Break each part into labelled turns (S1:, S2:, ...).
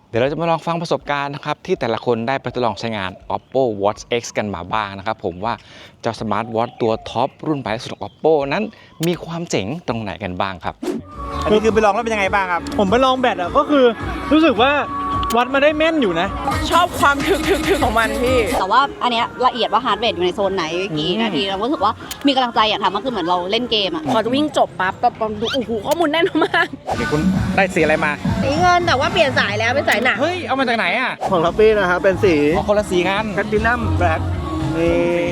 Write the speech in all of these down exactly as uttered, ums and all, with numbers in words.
S1: เดี๋ยวเราจะมาลองฟังประสบการณ์นะครับที่แต่ละคนได้ไปทดลองใช้งาน Oppo Watch X กันมาบ้างนะครับผมว่าเจ้าสมาร์ทวอทตัวท็อปรุ่นใหม่สุดของ Oppo นั้นมีความเจ๋งตรงไหนกันบ้างครับอันนี้คือไปลองแล้วเป็นยังไงบ้างครับ
S2: ผมไปลองแบตอ่ะก็คือรู้สึกว่าวัดมาได้แม่นอยู่นะ
S3: ชอบความถึกถึกถึกของมันพี่
S4: แต่ว่าอันเนี้ยละเอียดว่าฮาร์ดเรทอยู่ในโซนไหนกี่นาทีเรารู้สึกว่ามีกำลังใจอยากทำมันคือเหมือนเราเล่นเกมอ่ะ
S3: พอจะวิ่งจบปั๊บแบบดูโอ้โหข้อมูลแน่นมาก
S1: มีคุณได้สีอะไรมา
S3: สีเงินแต่ว่าเปลี่ยนสายแล้วเป็นสายหนัก
S1: เฮ้ยเอามาจากไหนอ่ะ
S2: ของทัฟฟี่นะครับเป็นสี
S1: คนละสีกัน
S2: แพลตินัมแบล็คนี่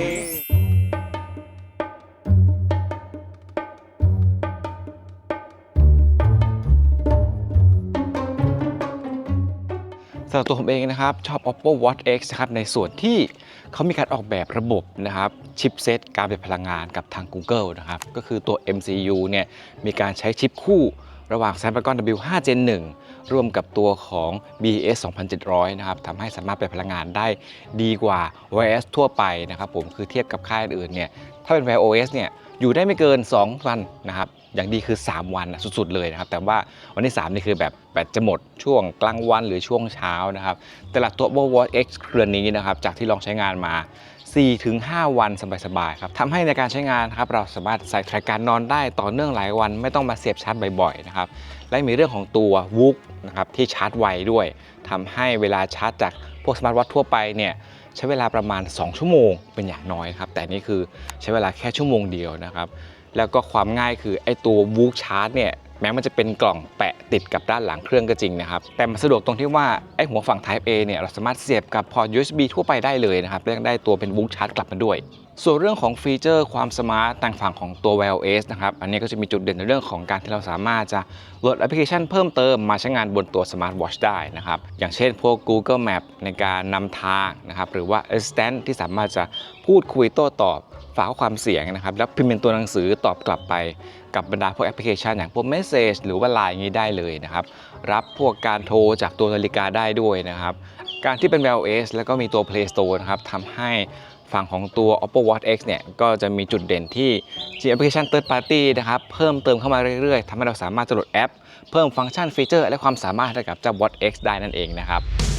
S1: สำหรับตัวผมเองนะครับชอบ Oppo Watch X นะครับในส่วนที่เขามีการออกแบบระบบนะครับชิปเซตการประหยัดพลังงานกับทาง Google นะครับก็คือตัว เอ็ม ซี ยู เนี่ยมีการใช้ชิปคู่ระหว่าง Snapdragon ดับเบิลยู ไฟว์ Gen หนึ่งร่วมกับตัวของ บี เอส สองพันเจ็ดร้อยนะครับทำให้สามารถประหยัดพลังงานได้ดีกว่า โอ เอส ทั่วไปนะครับผมคือเทียบกับค่ายอื่นเนี่ยถ้าเป็น Wear โอ เอส เนี่ยอยู่ได้ไม่เกินสองวันนะครับอย่างดีคือสามวันสุดๆเลยนะครับแต่ว่าวันที่สามนี่คือแบบแบตจะหมดช่วงกลางวันหรือช่วงเช้านะครับแต่ละตัว Oppo Watch X เครือนี้นะครับจากที่ลองใช้งานมา สี่ถึงห้า วันสบายๆครับทำให้ในการใช้งานครับเราสามารถใส่แทร็กการนอนได้ต่อเนื่องหลายวันไม่ต้องมาเสียบชาร์จบ่อยๆนะครับและมีเรื่องของตัว Whoop นะครับที่ชาร์จไวด้วยทำให้เวลาชาร์จจากพวกสมาร์ทวอททั่วไปเนี่ยใช้เวลาประมาณสองชั่วโมงเป็นอย่างน้อยครับแต่นี่คือใช้เวลาแค่ชั่วโมงเดียวนะครับแล้วก็ความง่ายคือไอ้ตัว Whoop ชาร์จเนี่ยแม้มันจะเป็นกล่องแปะติดกับด้านหลังเครื่องก็จริงนะครับแต่มันสะดวกตรงที่ว่าไอ้หัวฝั่ง Type A เนี่ยเราสามารถเสียบกับพอร์ต ยู เอส บี ทั่วไปได้เลยนะครับและยังได้ตัวเป็น Whoop ชาร์จกลับมาด้วยส่วนเรื่องของฟีเจอร์ความสมาร์ตทางฝั่งของตัว Wear โอ เอส นะครับอันนี้ก็จะมีจุดเด่นในเรื่องของการที่เราสามารถจะโหลดแอปพลิเคชันเพิ่มเติมมาใช้งานบนตัว Smart Watch ได้นะครับอย่างเช่นพวก Google Map ในการนำทางนะครับหรือว่า Assistant ที่สามารถจะพูดคุยโต้ตอบฝากข้อความเสียงนะครับแล้วพิมพ์เป็นตัวหนังสือตอบกลับไปกับบรรดาพวกแอปพลิเคชันอย่างพวก Message หรือว่า ไลน์ อย่างนี้ได้เลยนะครับรับพวกการโทรจากตัวนาฬิกาได้ด้วยนะครับการที่เป็น Wear โอ เอส แล้วก็มีตัว Play Store นะครับทำให้ฝั่งของตัว Oppo Watch X เนี่ยก็จะมีจุดเด่นที่มีแอปพลิเคชัน Third Party นะครับเพิ่มเติมเข้ามาเรื่อยๆทำให้เราสามารถจะโหลดแอปเพิ่มฟังก์ชันฟีเจอร์และความสามารถให้กับเจ้า Watch X ได้นั่นเองนะครับ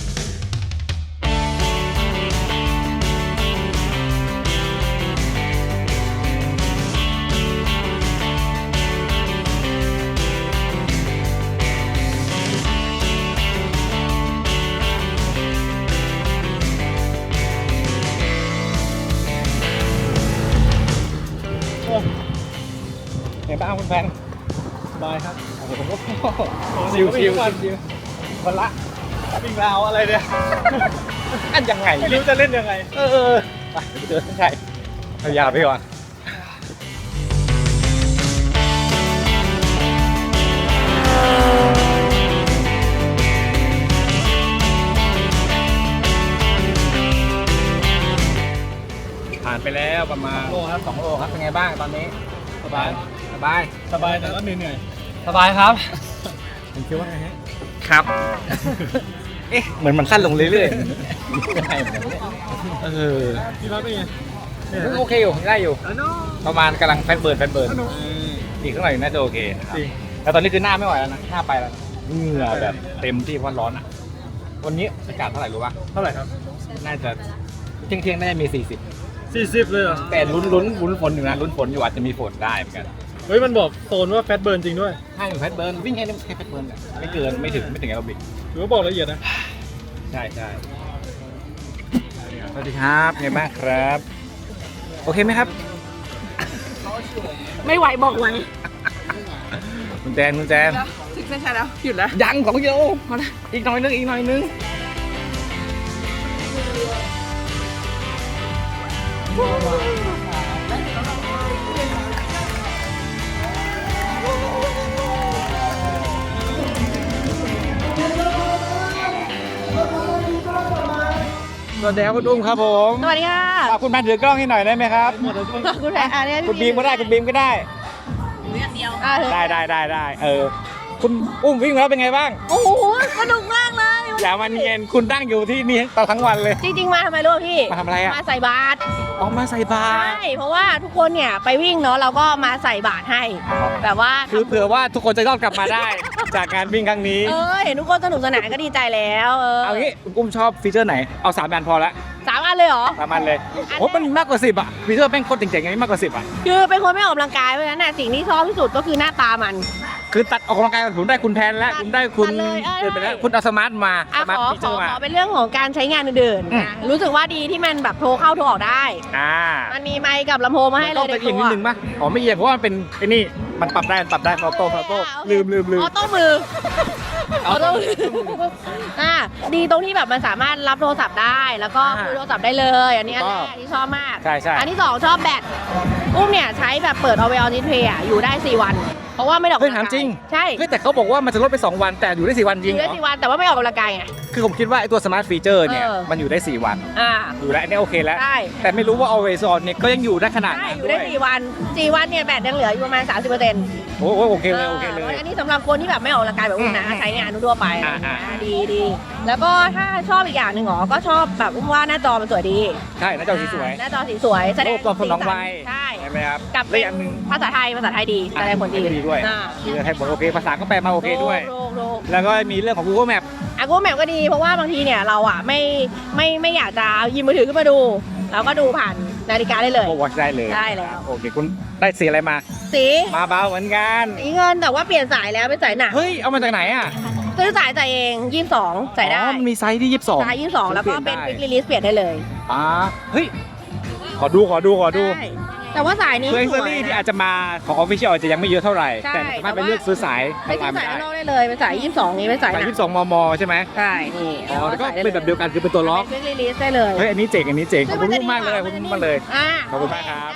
S1: เห็นป่ะคุณแฟน
S2: บายครับ
S1: โอ้โหชิวชิวชิวคนละ
S2: วิ่งราวอะไรเนี่ย
S1: อันยังไง
S2: ไม่รู้จะเล่นยังไง
S1: เออไปเดินใช่เอายาวไปก่อนผ่านไปแล้วประมาณโลครับสองโลครับเป็นไงบ้างตอนนี้
S2: สบาย
S1: สบาย
S2: สบายแต่ก็เหนื่อย
S1: สบายครับ
S2: ผมคิดว่าไงฮะ
S1: ครับเอ๊ะเหมือนมันสั้นลงเรื่อยๆใช่เหมือนกันเออ
S2: พี่รักเป็นไง
S1: โอเคอยู่ได้อยู่ประมาณกำลังแฟนเบิร์นแฟนเบิร์นอีกข้างหน่อยน่าจะโอเคจริงแต่ตอนนี้คือหน้าไม่ไหวแล้วนะหน้าไปแล้วเหงื่อแบบเต็มที่เพราะร้อนอ่ะวันนี้อากาศเท่าไหร่รู้ป่ะ
S2: เท่าไหร่ครับ
S1: น่าจะเที่ยงเที่ยงน่าจะมีสี่สิบ
S2: สี่สิบเลยเหรอ
S1: แต่ลุ้นลุ้นลุ้นฝนอยู่นะลุ้นฝนอยู่อาจจะมีฝนได้เหมือนกัน
S2: เฮ้ยมันบอกโซนว่าแฟตเบิร์นจริงด้วย
S1: ใช่แฟตเบิร์นวิ่งแค่แค่แฟตเบิร์นไม่เกินไม่ถึงไม่ถึงแอโรบิก
S2: ถือว่าบอกละเอียดนะ
S1: ใช่ใช่สวัสดีครับไงบ้างครับโอเคไหมครับ
S3: ไม่ไหวบอกไว้
S1: คุณแจนคุณแจน
S3: ถึงเส้นชัยแล้วหยุดแล้ว
S1: ยังของโยพอละอีกหน่อยนึงอีกหน่อยนึงสวัสดีครับคุณอุ้มครับผม
S3: สวัสดีค่ะ
S1: คุณแพนถือกล้องให้หน่อยได้ไหมครับ
S3: คุณแพนอันนี้
S1: คุณบีมก็ได้คุณบีมก็ได้
S3: เดียว
S1: ได้ได้ได้ได้เออคุณอุ้มวิ่งแล้วเป็นไงบ้าง
S3: โอ้โหสนุกมากเลย
S1: อย่ามาเนียนคุณตั้งอยู่ที่นี่ตลอดทั้งวันเลย
S3: จริงๆมาทำไมรู้พี่
S1: มาทำอะไรอ่ะ
S3: มาใส่บาตร
S1: ออกมาใส่บา
S3: ใช่
S1: ตร
S3: เพราะว่าทุกคนเนี่ยไปวิ่งเนาะเราก็มาใส่บาตรให้แบบว่า
S1: คือเผื่อว่าทุกคนจะรอดกลับมาได้ จากการวิ่งครั้งนี้
S3: เออเห็นทุกคนสนุกสนานก็ดีใจแล้วเออ
S1: เอางี้คุณกุ้มชอบฟีเจอร์ไหนเอาสามอันพอละ
S3: สามอันเลยเหรอ
S1: สามอันเลยโอ้มันมีมากกว่าสิบอ่ะฟีเจอร์แม่งโคตรเจ๋งๆอย่างนี้มากกว่าสิบอ่ะ
S3: คือเป็นคนไม่ออกกำลังกายเพราะฉะนั้นน่ะสิ่งที่ชอบที่สุดก็คือหน้าตามัน
S1: คือตัดออกกำลังกายผมได้คุณแพนแล้ว
S3: ตัด
S1: คุณได้คุณ
S3: ตัดเลยเออ
S1: เดินไปแล้วคุณเอาสมาร์ทมา
S3: อ่ะ
S1: สมาร์
S3: ข
S1: ท
S3: อ
S1: ฟี
S3: ข
S1: เจอ
S3: อ
S1: ร์มา
S3: ขอเป็นเรื่องของการใช้งานอื่น
S1: อืม
S3: ๆนะรู้สึกว่าดีที่มันแบบโทรเข้าโทรออกได้
S1: อ่า
S3: มันมีไมค์กับลำโพงมาให้
S1: มัน
S3: เล
S1: ต้อย ง
S3: ใน
S1: เป็น
S3: ตั
S1: อีก
S3: ว
S1: นิดนึงป่ะอ๋อไม่เอียงเพราะว่ามันเป็นไอ้นี่มันปรับได้มันปรับได้ฟอโต้ฟอโต้ลืมลืมลืม
S3: ออโต้มือออโต้มืออ่ะดีตรงที่แบบมันสามารถรับโทรศัพท์ได้ แล้วก็คุยโทรศัพท์ได้เลย อันนี้อันแรกที่ชอบมาก
S1: ใช่ใช่
S3: อันที่สองชอบแบตอุ้มเนี่ยใช้แบบเปิดเอาไว้ออนดิสเพย์อ่ะอยู่ได้สี่วัน เพราะว่าไม่ได้ออก
S1: เฮ้ย
S3: กำลั
S1: ถาม
S3: งกาย
S1: จริง
S3: ใช่
S1: เฮ้ยแต่เขาบอกว่ามันจะลดไปสองวันแต่อยู่ได้สี่วันจ
S3: อ
S1: ริง
S3: ยู่
S1: เหร
S3: ได้
S1: อ
S3: สี่วันแต่ว่าไม่ออกกำลังกายไง
S1: คือผมคิดว่าไอ้ตัวสมาร์ทฟีเจอร์เนี่ย
S3: เออ
S1: มันอยู่ได้สี่วัน
S3: อ่า
S1: อยู่แล้วอันนี้โอเคแล้ว
S3: ใช่
S1: แต่ไม่รู้ว่า always on เนี่ยก็ยังอยู่ได้ขนาด
S3: ใช่
S1: นั้น
S3: อยู่
S1: ด้
S3: ได้
S1: วย
S3: สี่วันสี่วันเนี่ยแบตยังเหลืออยู่ประมาณสามสิบเปอร์เซ็นต์
S1: โอ้โหโอเคเลยโอเคเลย
S3: อันนี้สำหรับคนที่แบบไม่ออกกำลังกายแบบอุ้มนะ
S1: อืม
S3: ใช้งานทั่วๆไป
S1: อ่าอ่า
S3: อ่าดีดีแล้วก็ถ้าชอบอีกอย่างหนึ่งหรอก็ชอบแบบอุ้มว่าหน้าจอมันสวยดี
S1: ใช่หน้าจอสีสวย
S3: หน้าจอสีสวยแสด
S1: โอ้
S3: ง
S1: ตอนคนน้องวัย
S3: ใช่
S1: ใช่ไหมครับ
S3: กับ
S1: และอย่างหนึ่ง
S3: ภาษาไทยภาษาไทยดีแสดงผลดี
S1: ดีด้วย
S3: อ่า
S1: คือให้ผลโอเคภาษาก็แปลมาโอเคด้วย
S3: โลกโลก
S1: แล้วก็มีเรื่องของ Google Map
S3: อ่ะกูแมปก็ดีเพราะว่าบางทีเนี่ยเราอ่ะไม่ไม่ไม่อยากจะหยิบมือถือขึ้นมาดูเราก็ดูผ่านนาฬิกาได้เลย
S1: ก็ watch ได้เลย
S3: ได้แล้ว
S1: โอเคคุณได้สีอะไรมา
S3: สี
S1: มาเบาเหมือนกัน
S3: สีเงินแต่ว่าเปลี่ยนสายแล้วเป็นสายหนัก
S1: เฮ้ยเอามาจากไหนอ่ะ
S3: ซื้อสายใส่เองยี่สิบสองใส่ได้
S1: อ๋อมันมีไซส์ที่ยี่สิบสอง
S3: สายยี่สิบสองแล้วก็เป็นควิกรีลิสเปลี่ยนได้เลย
S1: อ่าเฮ้ยขอดูขอดูขอดู
S3: ใช่แต่ว่าสายนี้
S1: คือ
S3: ส
S1: เอ็ก
S3: วย
S1: ซ์
S3: นะ
S1: ที่อาจจะมาของ Official อาจจะยังไม่เยอะเท่าไหร่
S3: ใช่
S1: แต่สามารถไป
S3: แต่ว่า
S1: เลือกซื้อสาย
S3: ไปซื้อสาย
S1: ได้
S3: ข้างนอกได้เลยเป็นสายยี่สิบสองนี้เป็นสายห
S1: สาย
S3: นัก
S1: ยี่สิบสองมมใช่ไหม
S3: ใช่นี่
S1: อ๋อแล้วก็เป็นแบบเดียวกันคือเป็นตัวล็อก
S3: เป็นควิกรีลิสได้เลย
S1: เฮ้ยอันนี้เจ๋งอันนี้เจ๋งขอบคุณ
S3: ซึ่งนจะ
S1: มากเลยขอบ
S3: ดี
S1: คุณ
S3: ว่
S1: มากเลย
S3: อ่า
S1: ขอบคุณมากครับ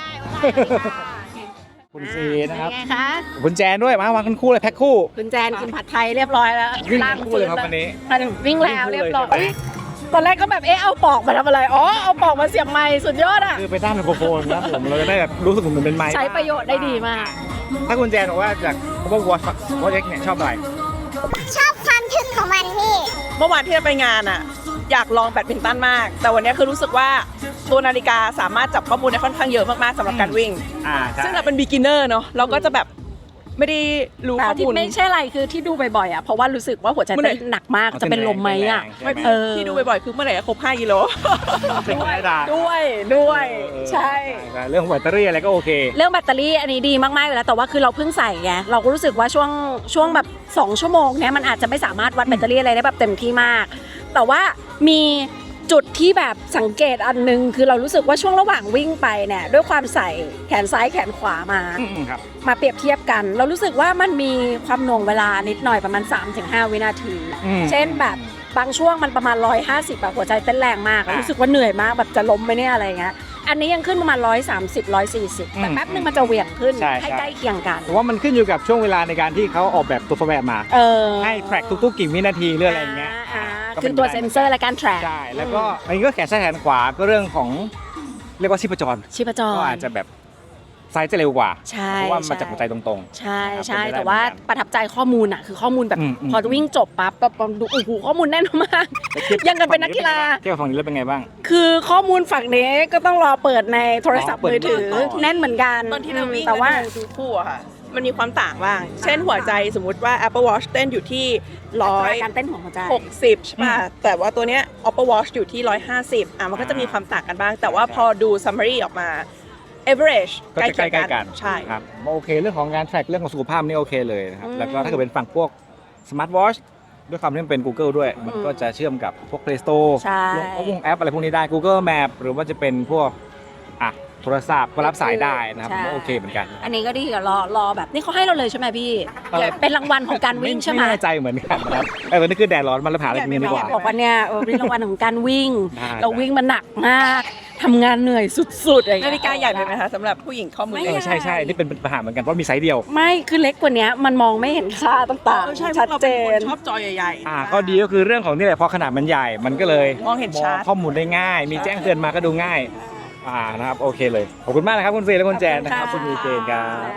S1: คุณซีนะครับ
S3: เป็นไงคะ
S1: คุณแจนด้วยมาวางกันคู่เลยแพ็คคู่
S3: คุณแจนกินผัดไทยเรียบร้อยแล้ว
S1: วิ่ง
S3: ร่าง
S1: คู่เลยครับวันนี้
S3: วิ่งแล้วเรียบร้อย
S1: วิ่งคู่เลย
S3: ตอนแรกก็แบบเอ๊ะเอาปอกมาทำอะไรอ๋อเอาปอกมาเสียบไม้สุดยอดอ่ะ
S1: คือไปตั้งไมโครโฟนนะครับผมเราจะได้แบบรู้สึกเหมือนเป็นไมค์
S3: ใช้ประโยชน์ได้ดีมาก
S1: ถ้าคุณแจนบอกว่าจาก Apple Watch Watch X เนี่ยชอบอะไร
S5: ชอบความทึ่งของมันพี่
S6: เมื่อวานที่เราไปงานอ่ะ อยากลองแบดมินตันมาก แต่วันนี้คือรู้สึกว่าตัวนาฬิกาสามารถจับข้อมูลได้ค่อนข้างเยอะมากๆสำหรับการวิ่ง
S1: อ่าใช่
S6: ซึ่งเราเป็น beginner เนอะเราก็จะแบบไม่ได้รู้
S7: แต่
S6: ข้อ
S7: ที่
S6: มูล
S7: ไม่ใช่อะไรคือที่ดูบ่อยๆอ่ะเพราะว่ารู้สึกว่าหัวใจ
S6: เมื่อไหร่
S7: เต้นหนักมากจะเป็นลมไหมอ่ะ
S1: ไม่
S7: เออ
S6: ที่ดูบ่อยๆคือเมื่อไหร่จะครบห้ากิโล
S1: เป็นธรรมดา
S7: ด้วยด้วย ใช่
S1: ใช่เรื่องของแบตเตอรี่อะไรก็โอเค
S7: เรื่องแบตเตอรี่อันนี้ดีมากๆอยู่แล้วแต่ว่าคือเราเพิ่งใส่ไงเราก็รู้สึกว่าช่วงช่วงแบบสองชั่วโมงเนี้ยมันอาจจะไม่สามารถวัดแบตเตอรี่อะไรได้แบบเต็มที่มาก แต่ว่ามีจุดที่แบบสังเกตอันนึงคือเรารู้สึกว่าช่วงระหว่างวิ่งไปเนี่ยด้วยความใส่แขนซ้ายแขนขวามา
S1: อืมครับ
S7: มาเปรียบเทียบกัน เรารู้สึกว่ามันมีความหน่วงเวลานิดหน่อยประมาณ สามถึงห้า วินาที
S1: อืม
S7: เช่นแบบบางช่วงมันประมาณหนึ่งร้อยห้าสิบแบบหัวใจเต้นแรงมาก
S1: อ่ะ
S7: รู้สึกว่าเหนื่อยมากแบบจะล้มไหมเนี่ยอะไรเงี้ยอันนี้ยังขึ้นประมาณหนึ่งร้อยสามสิบ หนึ่งร้อยสี่สิบแต่
S1: อืม
S7: แป๊บนึงมันจะเหวี่ยงขึ้น
S1: ใช่
S7: ให้
S1: ใช่
S7: ใกล้เคียงกัน
S1: ผมว่ามันขึ้นอยู่กับช่วงเวลาในการที่เขาออกแบบตัวซอฟต์แวร์มา
S7: เออ
S1: ให้แทร็กทุกๆกี่วินาทีหรืออะไรอย่างเงี้ย
S7: อ่า
S1: ก็
S7: คื
S1: ป็
S7: อน ตัว
S1: ไปได้
S7: เซ็นเซอร์และการ track
S1: ใช่แล้วก็อันนี้ก็แขนซ้ายแขนขวาก็เรื่องของเรียกว่าชีพจร
S7: ชีพจร
S1: ก็อาจจะแบบไซส์จะเร็วกว่า
S7: ใช่
S1: เพราะว่ามันจากหัวใจตรง
S7: ใช่
S1: ครับ
S7: ใช่
S1: เป็นไปได้
S7: แต่ว่า
S1: เหมือนกัน
S7: ประทับใจข้อมูลอ่ะคือข้อมูลแบบ
S1: อืมอืม
S7: พอวิ่งจบปั๊บแบบดูโอ้โหข้อมูลแน่นมาก
S1: ๆแล้วทีบ
S7: ยังกันเป็นนักกีฬา
S1: เทียบกับฝั่งนี้แล้วเป็นไงบ้าง
S7: คือข้อมูลฝั่งนี้ก็ต้องรอเปิดในโทรศัพท์
S1: อ๋อเปิด
S7: มือถือ
S1: ก่อน
S7: แน่นเหมือนกัน
S6: ตอนที่เราวิ่ง
S7: แต่ว่า
S6: ดูดูคู่อะค่ะ มันมีความต่างบ้าง เช่นหัวใจสมมุติว่า Apple Watch เต้นอยู่ที่ร้อย
S7: การเต้นของหัวใจ
S6: หกสิบใช่ป่ะแต่ว่าตัวเนี้ย Apple Watch อยู่ที่ร้อยห้าสิบอ่ะมันก็จะมีความต่างกันบ้าง แต่ว่าพอดู summary ออกมา average
S1: ก็จะใกล้ๆกัน
S6: ใช่
S1: ครับโอเคเรื่องของการแทร็กเรื่องของสุขภาพนี่โอเคเลยนะครับ
S7: อืม
S1: แล้วก็ถ้าเกิดเป็นฝั่งพวกสมาร์ทวอชด้วยความที่มันเป็น Google ด้วย มันก็จะเชื่อมกับพวก Play Store
S7: ใช่
S1: ลงพวกแอปอะไรพวกนี้ได้ Google Map หรือว่าจะเป็นพวกอ่ะโทรศัพท์ก็รับสายได้นะครับ
S7: ใช่
S1: ก็โอเคเหมือนกัน
S7: อันนี้ก็ดีกับรอรอแบบนี่เขาให้เราเลยใช่ไหมพี่
S1: เออ
S7: เป็นรางวัลของการวิ่งใช่ไหม
S1: ไม่แน่ใจเหมือนกันนะครับไอ้วันนี้คือแดดร้อนมันแล้วหาอะไรกินกันดีกว่า
S7: บอกว่าเนี่ยเออเป็นรางวัลของการวิ่ง
S1: ได้
S7: เราวิ่งมาหนักมากทำงานเหนื่อยสุดๆอะไรอย่ง
S6: นา
S7: เงี้ย
S6: ฬิกาใหญ่ไปไหมคะสำหรับผู้หญิงข้อมือ
S7: ไม่
S6: เล็
S1: เอก อใช่ใช่นี่เป็นปัญหาเหมือนกันเพราะมีไซส์เดียว
S7: ไม่คือเล็กกว่านี้มันมองไม่เห็นค่าต่าง
S6: เออใช่
S7: ๆ
S6: พ
S7: ชั
S6: ว
S7: ด
S6: กเรา
S7: เจ
S6: เป็นคน
S7: น
S6: ชอบจอใหญ่ๆ
S1: อ่าข้อดีก็คือเรื่องของนี่แหละพอขนาดมันใหญ่มันก็เลย
S6: มองเห็นชัด
S1: ข้อมูลได้ง่าย มีแจ้งเตือนมาก็ดูง่ายอ่านะครับโอเคเลยขอบคุณมากนะครับคุณเฟย์และคุณแจนนะครับคุณยูเจนครับ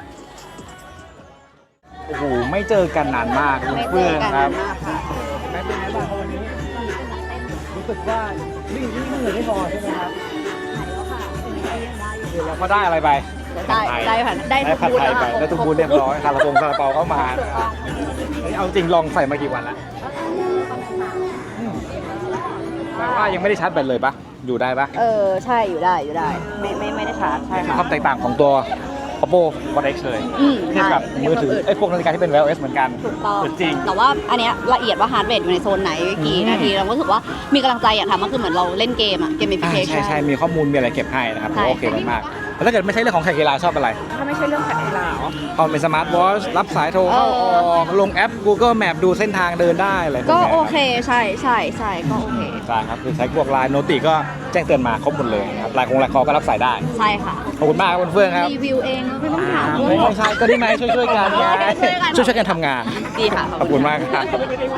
S1: โอ้โหไม่เจอกันนานมากคุณเฟื่องครับแม่เป็นไงบ้างครับวันนี้รู้สึกว่าวิ่งวิ่งเหนื่อยไม่พอใช่ไหมครับเราก็ได้อะไรไป
S4: ได้ได้ผ่านได้
S1: ได้
S4: ทุก
S1: ผัด
S4: บูธ
S1: ไทย
S4: แล้ว
S1: ไป
S4: ค่ะ
S1: ได้ทุกบูธเรียบร้อยคาราบงคาราเปาเข้ามาเฮ้ยเอาจริงลองใส่มากี่วันแล้วแปลว่ายังไม่ได้ชาร์จแบตเลยปะอยู่ได้ปะ
S4: เออใช่อยู่ได้อยู่ได้ไม่ไม่ไม่ได้ชาร์จใช่ค่ะ
S1: ความแตกต่างของตัว Oppo Watch เอ็กซ์ เลย
S4: อืม
S1: เทียบกับมือถือไอ้พวกนาฬิกาที่เป็น Wear โอ เอส เหมือนกัน
S4: ถูกต้อง
S1: จริง
S4: แต่ว่าอันเนี้ยละเอียดว่าฮาร์ดเรทอยู่ในโซนไหนกี่
S1: อืม
S4: นาทีเราก็รู้สึกว่ามีกำลังใจอยากทำมันคือเหมือนเราเล่นเกมอะเกม
S1: อ่า
S4: ฟิเคชั
S1: ใช่
S4: น
S1: ใช่มีข้อมูลมีอะไรเก็บให้นะครับ
S4: ใช่
S1: โอเคมากๆแล้วถ้าเกิดไม่ใช่เรื่องของแข่งกีฬาชอบอะไร
S7: ถ้าไม่ใช่เรื่องขัดกีฬาเหรอ
S1: เอาเป็นสมาร์ทวอชรับสายโทรเข้าออกลงแอป Google Map ดูเส้นทางเดินได้อะไรพว
S4: ก็
S1: นี้ย
S4: โอเคใช่ใช่ใช่ก็โอเค
S1: ใช่ครับคือใช้พวกไลน์โนติก็แจ้งเตือนมาครบหมดเลยนะครับไลน์คงไลน์คอก็รับสายได้
S4: ใช่ค่ะ
S1: ขอบคุณมากครับคุณเฟื่องครับ
S4: รีวิวเองไม่ต้องถาม
S1: ไม่ใช่ก็ได้ไหมช่วยช่วยๆกันไง
S4: ช่วยกัน
S1: ช่วยช่วยๆกันทำงาน
S4: ดีค่ะ
S1: ขอบคุณมากครับ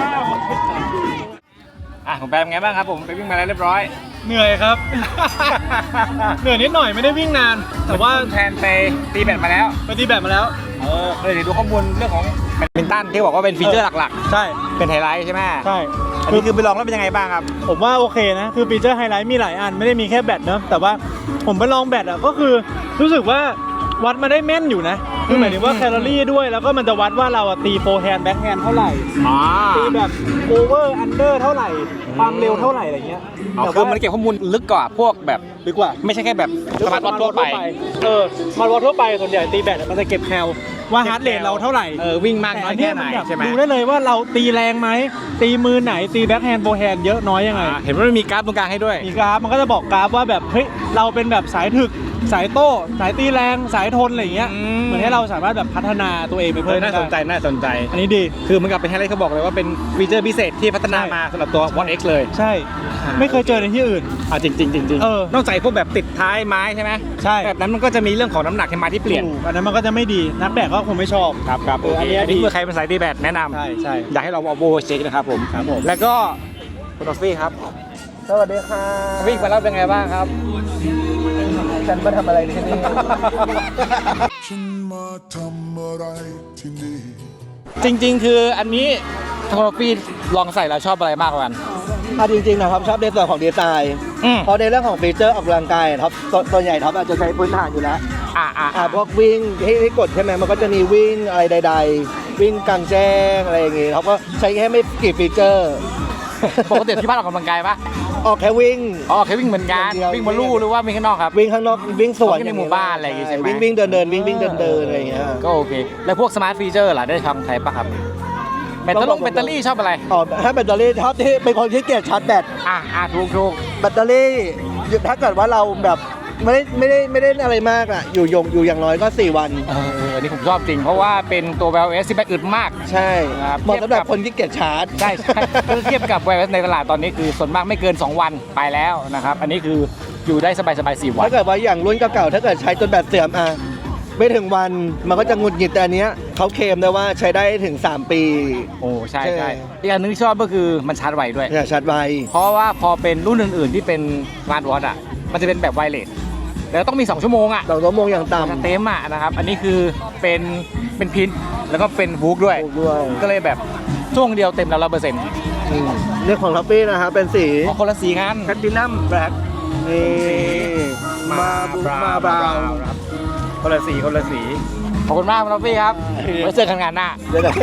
S1: อ่ะของแปมไงบ้างครับผมไปวิ่งมาแล้วเรียบร้อย
S2: เหนื่อยครับ เหนื่อยนิดหน่อยไม่ได้วิ่งนาน แต่ว่า
S1: แทนไปตีแบตมาแล้ว
S2: ไปตีแบบมาแล้ว
S1: เออเลยเดี๋ยวดูข้อมูลเรื่องของแบดมินตันที่บอกว่าเป็นฟีเจอร์หลัก
S2: ใช่
S1: ๆ เป็นไฮไลท์ใช่ไหม
S2: ใช่
S1: อันนี้คือไปลองแล้วเป็นยังไงบ้างครับ
S2: ผมว่าโอเคนะ คือฟีเจอร์ไฮไลท์มีหลายอันไม่ได้มีแค่แบตเนอะแต่ว่าผมไปลองแบตอ่ะก็คือรู้สึกว่าวัดมาได้แม่นอยู่นะ คือหมายถึงว่าแคลอรี่ด้วย แล้วก็มันจะวัดว่าเราอะตีโฟร์แฮนด์แบ็คแฮนด์เท่าไหร่
S1: อ๋อ
S2: ตีแบบโอเวอร์อันเดอร์เท่าไหร่ ความเร็วเท่าไหร่อะไรเงี้ย
S1: อ๋อคือมันเก็บข้อมูลลึกกว่าพวกแบบ
S2: ดีกว่า
S1: ไม่ใช่แค่แบบสมาร์ทวอททั่วไป
S2: เออสมาร์ทวอททั่วไปส่วนใหญ่ตีแบตอะมันจะเก็บแคลว่าฮาร์ดเรทเราเท่าไหร่
S1: เออวิ่งมากน้อยแค่ไหน
S2: แต่
S1: ใช่ไหม
S2: ดูได้เลยว่าเราตีแรงไหมตีมือไหนตีแบ็คแฮนด์โฟร์แฮนด์เยอะน้อยยังไง
S1: อ่าเห็นว่ามันมีกราฟตรงกลางให้ด้วย
S2: มีกราฟมันก็จะบอกกราฟว่าแบบเฮ้ยเราเป็นแบบสายถึกสายโต้สายตีแรงสายทนอะไรอย่างเงี้ย
S1: อืม
S2: เหมือนให้เราสามารถแบบพัฒนาตัวเองไป
S1: เอ
S2: เพิ่
S1: อ
S2: ม
S1: น่าสนใจ
S2: ได้
S1: น่าสนใจ
S2: อันนี้ดี
S1: คือมันกับเป็นไฮไลท์เขาบอกเลยว่าเป็นฟีเจอร์พิเศษที่พัฒนามาสำหรับตัว Watch เอ็กซ์ เลย
S2: ใช่ ไม่เคยเจอในที่อื่น
S1: อ่าจริงจริงจริงจริง
S2: เออ
S1: นอกจากพวกแบบติดท้ายไม้ใช่ไหม
S2: ใช่
S1: แบบนั้นมันก็จะมีเรื่องของน้ำหนักที่มาที่เปลี่ยน
S2: ถูกอันนั้นมันก็จะไม่ดีนักแบกก็คงไม่ชอบ
S1: ครับครับ
S2: เอออั
S1: อั
S2: น
S1: น
S2: นี้
S1: นี้อันนี้
S2: ดี
S1: เพื่อใครเป็นสายตีแบดแนะนำ
S2: ใช่ใช่
S1: อยากให้เราเอาโบเช็คนะครับผม
S2: ครับผม
S1: แล้วก็คุณออฟฟี่ครับ
S2: สวัสดีค่ะ
S1: วิ่งมาแล้วเป็นไงบ้างครับ
S2: ฉันมาทำอะไรที่นี่
S8: ฉันมาทำอะไรที่นี่
S1: จริงๆ คืออันนี้คุณออฟฟี่ลองใส่แล้วชอบอะไรมากกว่ากัน
S9: อ่ะจริงๆนะครับชอบในส่วนของดีไซน์
S1: อืม
S9: เพราะในเรื่องของฟีเจอร์ออกกำลังกายท็อปตัวใหญ่ท็อปอาจจะใช้พื้นฐานอยู่แล้ว
S1: อ่าอ่า
S9: อ่าพวกวิ่งที่ที่กดใช่ไหมมันก็จะมีวิ่งอะไรใด ๆ วิ่งกลางแจ้งอะไรอย่างงี้ท็อปก็ใช้แค่ไม่กี่ฟีเจอร์
S1: ปกติที่บ้านออกกำลังกายปะ
S9: ออกแค่วิ่ง
S1: อ๋อแค่วิ่งเหมือนกัน
S9: อย่างเดียว
S1: วิ่งบนลู่หรือว่าวิ่งข้างนอกครับ
S9: วิ่งข้างนอกวิ่งสวน
S1: วิ่งในหมู่บ้านอะไรอย่างงี้ใช่ไหม
S9: วิ่งวิ่งเดินเดินวิ่งวิ่งเดินเดินอะไรอย่างเงี้ย
S1: ก็โอเค แล้วพวกสมาร์ทฟีเจอร์ล่ะได้ทำใช้ปะครับแบตเตอรี่แบตเตอรี่ชอบอะไร
S9: อ๋อถ้าแบตเตอรี่ท็อปที่เป็นคนที่เกียจชาร์จแบต
S1: อ่าอ่าถูกถูก
S9: แบตเตอรี่ถ้าเกิดว่าเราแบบไม่ได้ไม่ได้ไม่ได้อะไรมากอ่ะอยู่ยงอยู่อย่างน้อยก็สี่วัน
S1: เออเอออันนี้ผมชอบจริง เพราะว่าเป็นตัว Wear โอ เอส ที่แบตอึดมาก
S9: ใช่
S1: ครับ
S9: เหมาะสำหรับคนที่เกียจชาร์จ
S1: ใช่ใช่ถ้าเทียบกับ Wear โอ เอส ในตลาดตอนนี้คือส่วนมากไม่เกิน สอง วันไปแล้วนะครับ อันนี้คืออยู่ได้สบายสบายๆสี่วัน
S9: ถ้าเกิดว่าอย่างรุ่นเก่าๆถ้าเกิดใช้จนแบตเสื่อมอ่ะไม่ถึงวันมันก็จะหงุดหงิดแต่อันเนี้ยเขาเคลมได้ว่าใช้ได้ถึงสามปี
S1: โอ้ใช่
S9: ใช่
S1: ใช่อีกอันนึงที่ชอบก็คือมันชาร์จไวด้วย
S9: เนี่ยชาร์จไว
S1: เพราะว่าพอเป็นรุ่นอื่น ๆ ที่เป็นสมาร์ทวอทอ่ะมันจะเป็นแบบไวเลสแล้วต้องมี สอง ชั่วโมงอ่ะ
S9: สองชั่วโมงอย่าง
S1: จะ
S9: ต่ำ
S1: เต็มอ่ะนะครับ อันนี้คือเป็นเป็นพินแล้วก็เป็นวูกด้วย
S9: ด้วย
S1: ก็เลยแบบช่วงเดียวเต็มแล้วร้อยเปอร์เซ็นต์
S9: อืมเรื่องของท็อปปี้นะครับเป็นสี
S1: อ๋อคนละสีกัน
S9: แพตตินัมแบล็คนี่มาบุมาบราวน์
S1: ครับคนละสีคนละสีขอบคุณมากครับพี่ครับไว้เจอกันงานหน้า
S9: เดี๋ยวนะ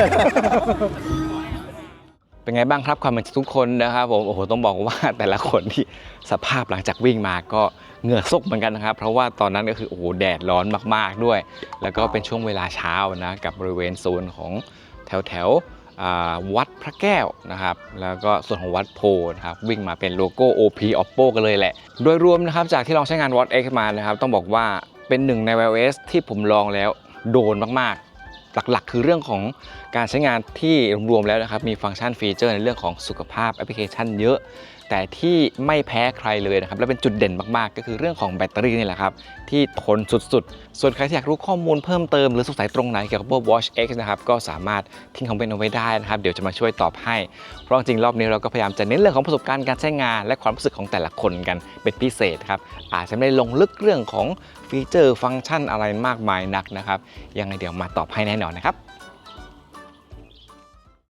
S1: เป็นไงบ้างครับความเป็นทุกคนนะครับผมโอ้โหต้องบอกว่าแต่ละคนที่สภาพหลังจากวิ่งมาก็เหงื่อซกเหมือนกันนะครับเพราะว่าตอนนั้นก็คือโอ้โหแดดร้อนมากๆด้วย แล้วก็เป็นช่วงเวลาเช้านะกับบริเวณโซนของแถวแถวๆวัดพระแก้วนะครับแล้วก็ส่วนของวัดโพนะครับวิ่งมาเป็นโลโก้ โอ พี Oppo กันเลยแหละโดยรวมนะครับจากที่ลองใช้งาน Watch เอ็กซ์ มานะครับต้องบอกว่าเป็นหนึ่งใน Wear โอ เอส ที่ผมลองแล้วโดนมากๆหลักๆคือเรื่องของการใช้งานที่รวมๆแล้วนะครับมีฟังก์ชันฟีเจอร์ในเรื่องของสุขภาพแอปพลิเคชันเยอะแต่ที่ไม่แพ้ใครเลยนะครับและเป็นจุดเด่นมากๆก็คือเรื่องของแบตเตอรี่นี่แหละครับที่ทนสุดๆส่วนใครที่อยากรู้ข้อมูลเพิ่มเติมหรือสงสัยตรงไหนเกี่ยวกับ Watch เอ็กซ์ นะครับก็สามารถทิ้งคอมเมนต์เอาไว้ได้นะครับเดี๋ยวจะมาช่วยตอบให้เพราะจริงๆรอบนี้เราก็พยายามจะเน้นเรื่องของประสบการณ์การใช้งานและความรู้สึกของแต่ละคนกันเป็นพิเศษครับอาจจะไม่ได้ลงลึกเรื่องของฟีเจอร์ฟังก์ชันอะไรมากมายนักนะครับยังไงเดี๋ยวมาตอบให้แน่นอนนะครับ